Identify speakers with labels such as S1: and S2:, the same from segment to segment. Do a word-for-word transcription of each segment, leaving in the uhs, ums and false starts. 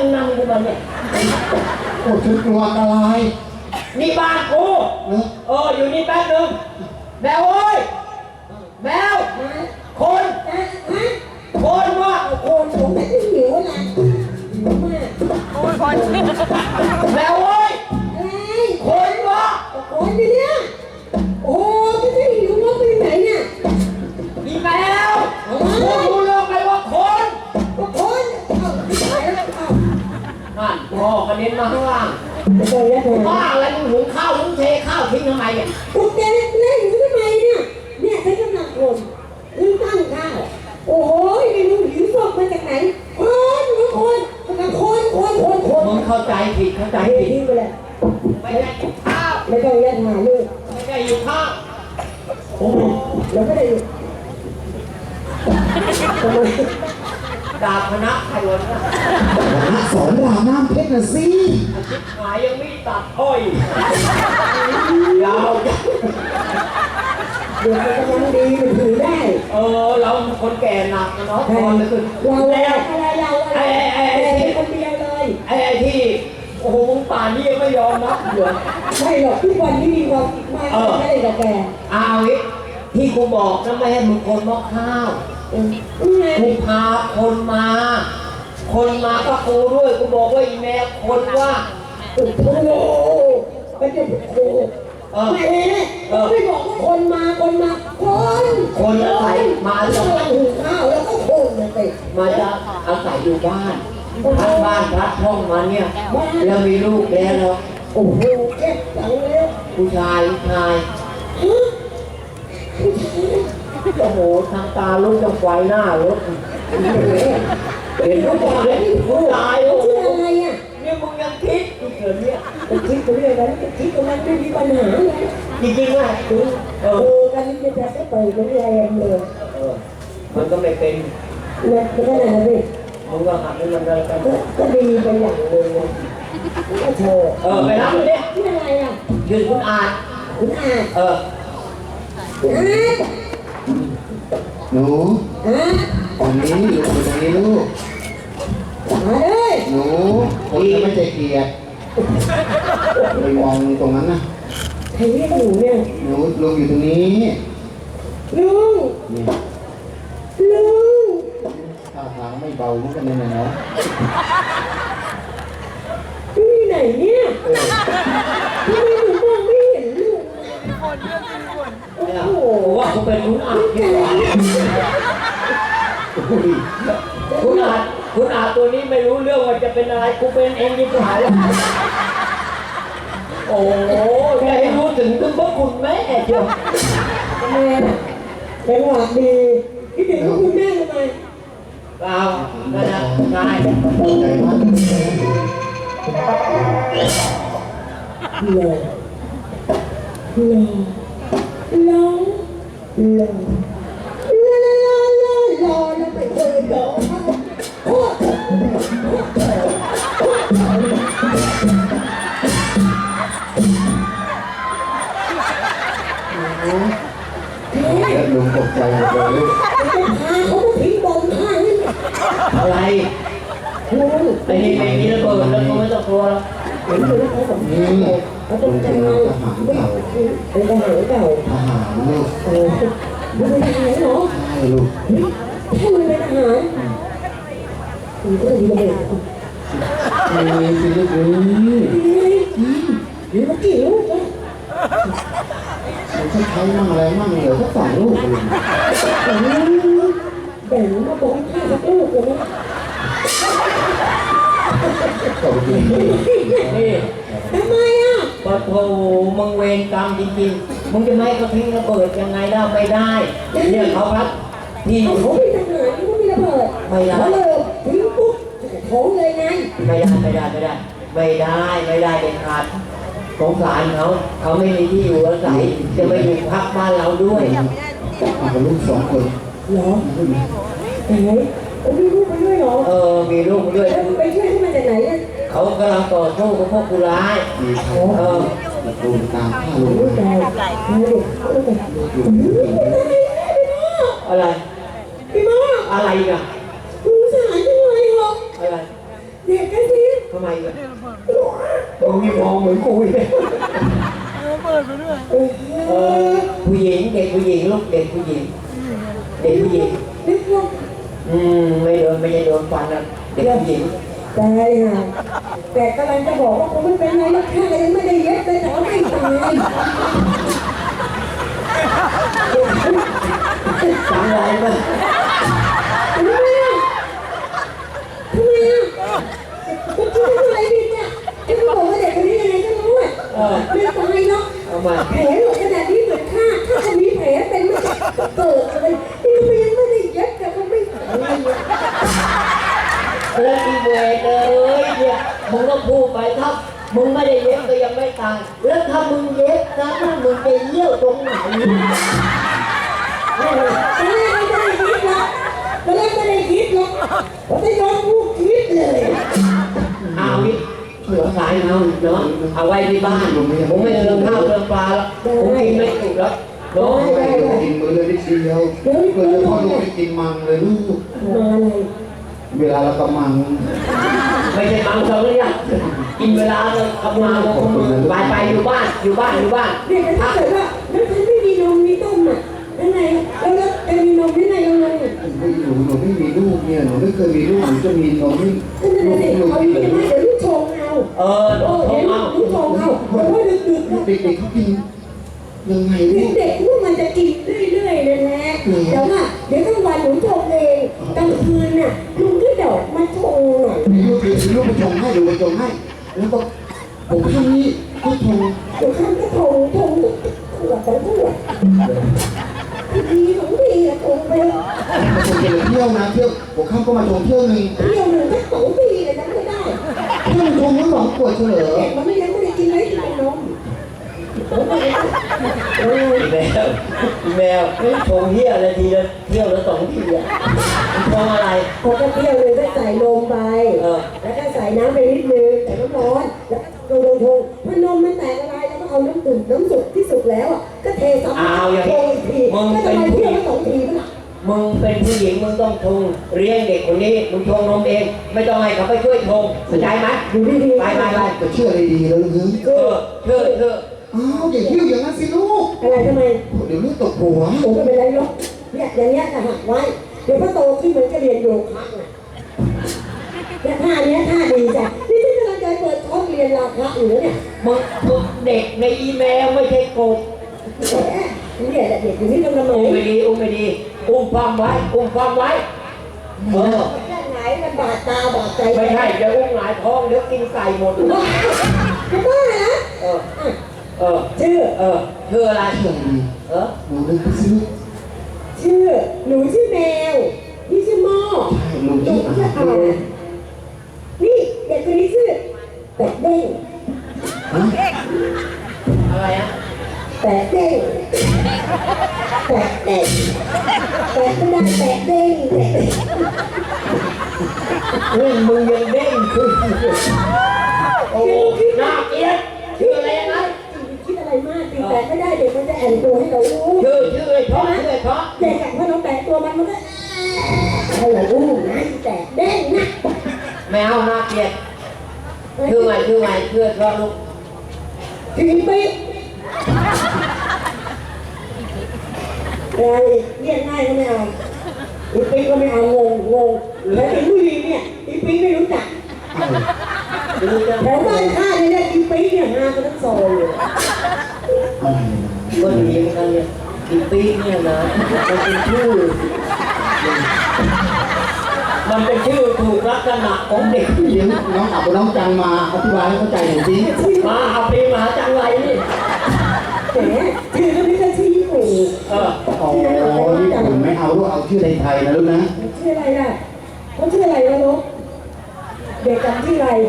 S1: นั่งกูมาเนี่ย
S2: โอ้ฉันกลัวอันตราย
S1: นี่บ้านกูเอออยู่นี่แป๊บนึงแมวเอ้ยแมวคนคนวะ
S3: คนผมไม่ได้หิวนะหิวมาก
S4: โอ้ยคน
S1: แมวเอ้ยคนวะ
S3: คนเนี่ยโอ้ไม่ได้หิวว่าไปไหนเนี่ย
S1: อีแมวกูรู้เรื่องไหมว่าคน
S3: ก็คนเอาไปแล้วเอา
S1: นั่นพ่อกระเด็นมาข้างล่าง
S3: ไม่ต้องยัดเลย
S1: บ้าอะไรมึงหุงข้าวมึงเทข้าวทิ้งทำไมเนี่ย
S3: กูแกเล่นอยู่ทำไมเนี่ยเนี่ยฉันกำลังคนลืมตั้งข้าวโอ้ยไม่รู้หิวศพมาจากไหนคนคนคนคนคนคนคน
S1: มึงเข้าใจผิดเข้าใจผิด
S3: ไปเลย
S1: ไม่ได้อยู่ข้าว
S3: ไม่ต้องยัดหาลูก
S1: ไม่ได้อยู่ข้าว
S3: โอ้เราไม่ได้อยู่ทำไม
S1: ดาบคณะใครวะเนี่ย
S2: คณะสอนรามน้ำเพชรนะสิ
S1: ชิบหายยังไม่ตัดอ้อยยาว
S3: เดี๋ยวจะยังดีมันถือได้
S1: เออเราคนแก่หนักนะเนาะตอนนี้คือ
S3: เราแล้วอะไรเราอะไรไอ้ไอ้คนเดียวเลย
S1: ไอ้ไอ้ที่โอ้โหมึงป่านนี้ยังไม่ยอมนะเหรอ
S3: ไม่หรอกทุกวันนี้มีความคิดมากไม่ได้กับแก
S1: เอาอีกที่กูบอกนะไม่ให้มึงคนมอกข้าวกูพาคนมาคนมาก็กูด้วยกูบอกว่าอีแม่คนว่า
S3: โอ้โหเป็นเด็กโคไม่ไม่บอกว่าคนมาคนมาคน
S1: คนอาศัยมา
S3: จะหุงข้าวแล้วก็คนนะเตะ
S1: มาจะอาศัยอยู่บ้านพักบ้านพักห้องมาเนี่ยแล้วมีลูกแล้วเนาะ
S3: โอ้โหเจ็บจังเลย
S1: ผู้ชายผู้ชายโอ้โหทางตาลูกจะไฟหน้ารถเห็นผู้ชายผู้ชายโอ้โห
S3: อะไรอ่ะ
S1: เนี่ยมึงยังคิดกูเกิดเนี่ย
S3: จะคิดไปเรื่อยแล้วจะคิดตรงนั้นไม่มีปัญหาเลย
S1: จริงๆว่า
S3: เออการนี้จะจะเปิดเป็นแรงเลย
S1: เออมันก็ไม่เป็น
S3: เนี่ยเป็นอะไรนะพี่
S1: มึงก็หัดให้มันเลยกัน
S3: ก็ดีไปอย่างเลยก็โชว์
S1: เออไปรับมันดิ
S3: ที่อะไรอ่ะ
S1: ยืนคุณอา
S3: คุณอา
S1: เออ
S2: หนูตรงนี้อยู่ตรงนี้ลูก
S3: มาเลย
S2: หนูคนจะไม่ใจเกลียดไปมองตรงนั้นนะ
S3: ใครเรียกหนูเนี่ย
S2: หนูลุงอยู่ตรงนี้
S3: ลุงลุง
S2: ท่าทางไม่เบาเหมือนกันเลยนะเนาะ
S3: ที่ไหนเนี่ยทำไมหนูมองไม่เห็นลุง
S1: โอ้โหว่าเขาเป็นคุณอาที่หวานคุณอาคุณอาตัวนี้ไม่รู้เรื่องว่าจะเป็นอะไรกูเป็นเองยิ่งหายแล้วโอ้โหแกให้รู้ถึงถึงพระคุณแม่เชียว
S3: แม่จังหวะดีคิดถึงคุณแม่ทำไม
S1: เปล่าก็จะง่าย
S2: ใจมาก
S3: เลยเลยลองลองลาลาลาลาลาแล้วไปเจอดอกโอ้
S2: แล้วลุงตกใจหมดเลยลูก
S3: เขาทิ้งบอลข้างนี่
S1: อะไรไอ้นี่ไอ้นี่ระเบิดแล้วก็ไม่ต้องกลัวแล้ว
S2: นี่ลุงเป็นทหารเก่า
S3: เป็นทหารเก่า
S2: ทหารลูก
S3: โอ้ลุงเป็นทหารเหรอ
S2: ใช่ลูก
S3: ถ้าลุงเป็นทหารลุงก็ดีเลย
S2: นี่สิลูกนี่
S3: นี่มากี่ลูกเนี่ย
S2: มันจะใช้มั่งอะไรมั่งเหลือแค่สองลูกเอง
S3: แบ่งมาบอกให้สักลูกเลยนะ
S1: นี่
S3: ทำไมอ่ะ
S1: ปะโถมึงเวรกรรมจริงๆมึงจะไม่เขาทิ้งระเบิดยังไงได้ไม่ได้เนี่ยเขาครับที่
S3: เขาไม่ทหารเขาไม่ระเบิด
S1: ไม่ได้
S3: เขาเลยทิ้งปุ๊บโถเลยไง
S1: ไม่ได้ไม่ได้ไม่ได้ไม่ได้ไม่ได้เด็ดขาดสงสารเขาเขาไม่มีที่อยู่อาศัยจะมาอยู่พักบ้านเราด้วย
S2: มากับลูกสองคน
S3: เหรอไหนมีลูกไปด้วยเหรอ
S1: เออมีลูกด้วย
S3: ไปช่วยที่มาจากไหนอ่ะ
S1: เขากำลังต่อสู้กับพวกผู้ร้าย
S2: มีเขาเออดูตามข้าลูก
S3: ได้
S1: อะไร
S3: พี่มอ
S1: อะไรอ่ะ
S3: สงสารจังเลยเหรอ
S1: อะไร
S3: เด็กกันสิ
S1: ทำไมอ่ะมึงมีมองเหมือนกูอีกเออผู้หญิงเด็กผู้หญิงลูกเด็กผู้หญิงเด็กผู้หญิง
S3: นึกว่า
S1: อืมไม่โดนไม่ใช่โดนฟันนะเด็กผู้หญิง
S3: ตายห่าแต่กำลังจะบอกว่าผมไม่เป็นไรแล้วข้ายังไม่ได้เย็บเลยแต่ว่าไม่ตาย
S1: จังไรมั้ย
S3: ทำไมอ่ะทำไมอ่ะคุณคิดว่าอะไรผิดเนี่ยที่คุณบอกว่าเด็กคนนี้ยังไงก็รู้อ่ะไม่ตายเนาะ
S1: เอามา
S3: แผลหลุดขนาดนี้เหมือนข้าถ้าจะมีแผลเป็นไม่เกิดเลยนี่ทำไมยังไม่ได้เย็บแต่ก็ไม่ตายเนี่ย
S1: แล้วอีเวทเลยเนี่ยมึงต้องพูดไปครับมึงไม่ได้เย็บก็ยังไม่ตายแล้วถ้ามึงเย็บนะมึงจะเยี่ยวตรงไหน
S3: ตอนแรกไม่ได้คิดหรอกตอนแรกไม่ได้คิดหรอกผมจะยอมพูดคิดเลย
S1: เอาวิเหลือสายเอาเนาะเอาไว้ที่บ้านผมไม่เรื่องข้าวเรื่องปลาแล้วผมกินไม่ถูกแล้วเนาะ
S2: ไม่ได้กินมื้อเลยนิดเดียวเพื่อนพ่อลูกไม่กินมังเลยลูก
S3: มาอะไร
S2: เวลาเรากำมัง
S1: ไม่ใช่มังสวิรัตกินเวลาเลยกำลังไปไปอยู่บ้านอยู่บ้านอยู่บ้าน
S3: เด็กถ้าเกิดว่าแล้วฉันไม่มีนมมีต้มอ่ะยังไงแล้วแล้วจะมีนมยังไงยังไง
S2: ไม่หนูหนูไม่มีลูกเนี่ยหนูไม่เคยมีลูกหนูจะมีนมไม่
S3: นั่นแหละสิ
S2: ลูก
S3: เอา
S2: ที่
S3: อย่าง
S2: เป็น
S3: นี้เดี๋ยวลูกชงเอา
S1: เออ
S3: โอ้
S1: โทร
S3: เดี๋ยว
S1: เอา
S3: ลูกชงเอาเพราะว่าดึกๆนะ
S2: เด็กๆเขากินยังไงลูก
S3: เด็กๆพวกมันจะกินเรื่อยๆนั่นแหละแต่ว่าเดี๋ยวกลางวันหนูชงเองกลางคืนน่ะลุงก็เดอกมาชงหน่อย
S2: ลูกคือลูกไปชงให้ดูไปชงให้แล้วก็ผมข้างนี้ก็ชง
S3: เดี๋ยวข้ามก็ชงชงขวดสองขวดดีของดีอะชงไป
S2: มาชงเที่ยวนะเที่ยวผมข้ามก็มาชงเที่ยวหนึ่ง
S3: เที่ยวหนึ่งสักสองปีเลยนะไม่ได้
S2: เที่ยวชงทั้งสองขวดเฉลย
S3: เด็กมันไม่ยังไม่ได้กินเลยกินแต่นมเออ
S1: แมวแมวชงเที่ยวอะไรทีละเที่ยวละสองทีอ่ะชงอะไร
S3: พอจะเที่ยวเลยก็ใส่นมไป
S1: เออ
S3: แล้วก็ใส่น้ำไปนิดนึงใส่น้ำร้อนแล้วก็โดนทงพอนมมันแตกละลายแล้วก็เอาน้ำตุ่นน้ำสุกที่สุกแล้วอ่ะก็เทซ้ำ
S1: เอาอย่าง
S3: โท
S1: นี้
S3: อีกที
S1: มึง
S3: ก็
S1: เป็
S3: จะ
S1: น
S3: มา
S1: ผู้
S3: เที่
S1: ห
S3: ยว
S1: ญิง
S3: ละสองทีมั้งล่ะ
S1: มึงเป็นผู้หญิงมึงต้องชงเลี้ยงเด็กคนนี้มึงชงนมเอง ไม่ต้องให้เขาไปช่วยชงเข้าใจไหม
S3: ดูดีๆ
S1: ไปไปไป
S2: จะเชื่ออะไรดีแล้วลึก
S1: เออเธอเธอ
S2: อ้าวอย่าเที่ยวอย่างนั้นสิลูก
S3: อะไรทำไม
S2: เดี๋ยวลูกตกหัว
S3: ผมก็เป็นไรหรอกเนี่ยอย่างเงี้ยจะหักไว้ เดี๋ยวพอโตขึ้นมันจะเรียนโยคะไงเนี่ยท่าเนี้ยท่าดีจ้ะนี่ที่กำลังจะเปิดคอร์สเรียนราคาอยู่แล้วเนี่ย
S1: มึงมึงเด็กในอีเมลไม่ใช่กบ
S3: แหมเนี่ยแหละเด็กอยู่ที่กำลังไหน
S1: อุ้มไม่ดีอุ้มไม่ดีอุ้มความไว้อุ้มความไว้เออ
S3: แค่ไหนมันบาดตาบาดใจ
S1: ไม่ใช่เดี๋ยวอุ้มหลายท้องเดี๋ยวกินไก่หมด
S3: จะบ้าเหรอ
S1: เออเออ
S3: ชื่อ
S1: เออชื่ออะไร
S2: เชื่อดี
S1: เออ
S2: หนูเดินไปสิลูก
S3: ชื่อหนูชื่อแมวนี่ชื่อหม้อ
S2: ใช่หนู
S3: หนู
S2: ชื่ออา
S3: ชื่อ
S2: หาร
S3: อ่านี่เด็กคนนี้ชื่อแปะเด้ง
S1: อะไรอ่ะ
S3: แปะเด้งแปะเด้งแปะก็ได้แปะเด้งแปะเด้ง
S1: เฮ้ยมึงยังเด้งขึ้นโอ้น่าเกลียดชื่ออะไรนะ
S3: คิดอะไรมากตีแปะไม่ได้เด็กมันจะแอนตัวให้เรารู้
S1: ชื่อชื่อไอ้เพราะชื่อไอ้เพราะ
S3: เด็กอะพอเราแปะตัวมันมันก็ให้เรารู้นะแปะเด้งนะ
S1: แมวน่าเกลียดชื่อไงชื่อไงชื่อเพราะลูก
S3: ทีปีอะไรเรียกง่ายก็ไม่เอาอีปีก็ไม่เอางงงงแล้วอีผู้ดีเนี่ยอีปีไม่รู้จัก
S1: ดูจะ
S3: แถวบ้านข้าเนี่ยเรียกอีปีเนี่ยฮากันทั้งซอยเลย
S2: อะไรนะ
S1: ก็ดีเหมือนกันเนี่ยอีปีเนี่ยนะมันเป็นชื่อมันเป็นชื่อถูกลักษณะของเด็ก
S2: เดี๋ยวน้องอับน้องจังมาอธิบายให้เข้าใจหน่อยสิ
S1: มาเอาปีมาจังไรนี่
S3: แหมชื่อก็ไม่ใช่ชื่อญี่ปุ่น
S1: เออ
S2: อ๋อญี่ปุ่นไม่เอาลูกเอาชื่อไทยๆนะลูกนะ
S3: ชื่ออะไรล่ะเขาชื่ออะไรนะลูกเด็กจำชื่ออะไร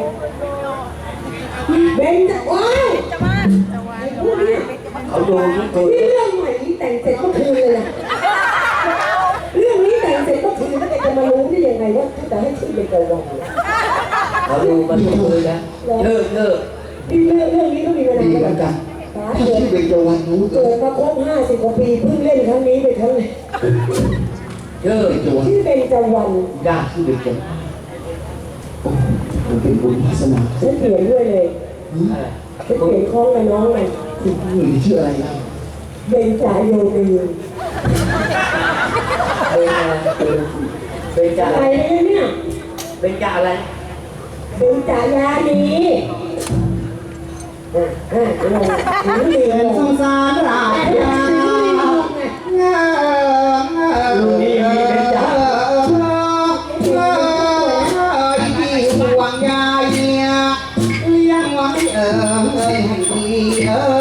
S3: เบนจะว้าวไอ้พวกเนี่ย
S1: เขาดูนี่ตัว
S3: นี่เรื่องใหม่นี้แต่งเสร็จเมื่อคืนเลยนะเรื่องนี้แต่งเสร็จเมื่อคืนแล้วแกจะมารู้ได้ยังไงว่าจะให้ชื่อเป็นกระวัง
S1: เขาดูมันทุกคืนนะเลิกเลิก
S3: ที่เรื่องเรื่องนี้ต้องมีเวลา
S2: ดี
S3: เท่า
S2: เห
S3: ไห
S2: มื
S3: ร่
S2: อนกัน
S3: ตา
S2: ถ้า
S3: เกิด
S2: ชื่อเป็นจวันรู้เกิ
S3: เกิ
S2: ด
S3: ดมาครบห้าสิบกว่าปีเพิ่งเล่นครั้งนี้ไปครั้งนี้
S1: เลิก
S2: เป็นจวัน
S3: ชื่อเป็นจวัน
S1: ยาก
S2: ชื่อเป็นจวันโอ้โหมันเป็นบุญวาสนา
S3: ฉันเปลี่ยนด้วยเลยฉันเปลี่ยนคล้องกับน้องเลย
S2: คุณผู้หญิงชื่ออะไรนะ
S3: เบนจาโยตีน
S1: เป็นอะไรเป็นจ่า
S3: อะไรเนี่ย
S1: เป็นจ่าอะไร
S3: เบนจายานีเออเออลงนี่
S2: เป็น
S3: ล
S2: ส
S3: ง
S2: งสารราชาเงาลูกนี่มีเป็นจ่าเงาที่ห่วงใยเลี้ยงไว้เออให้ดีเออ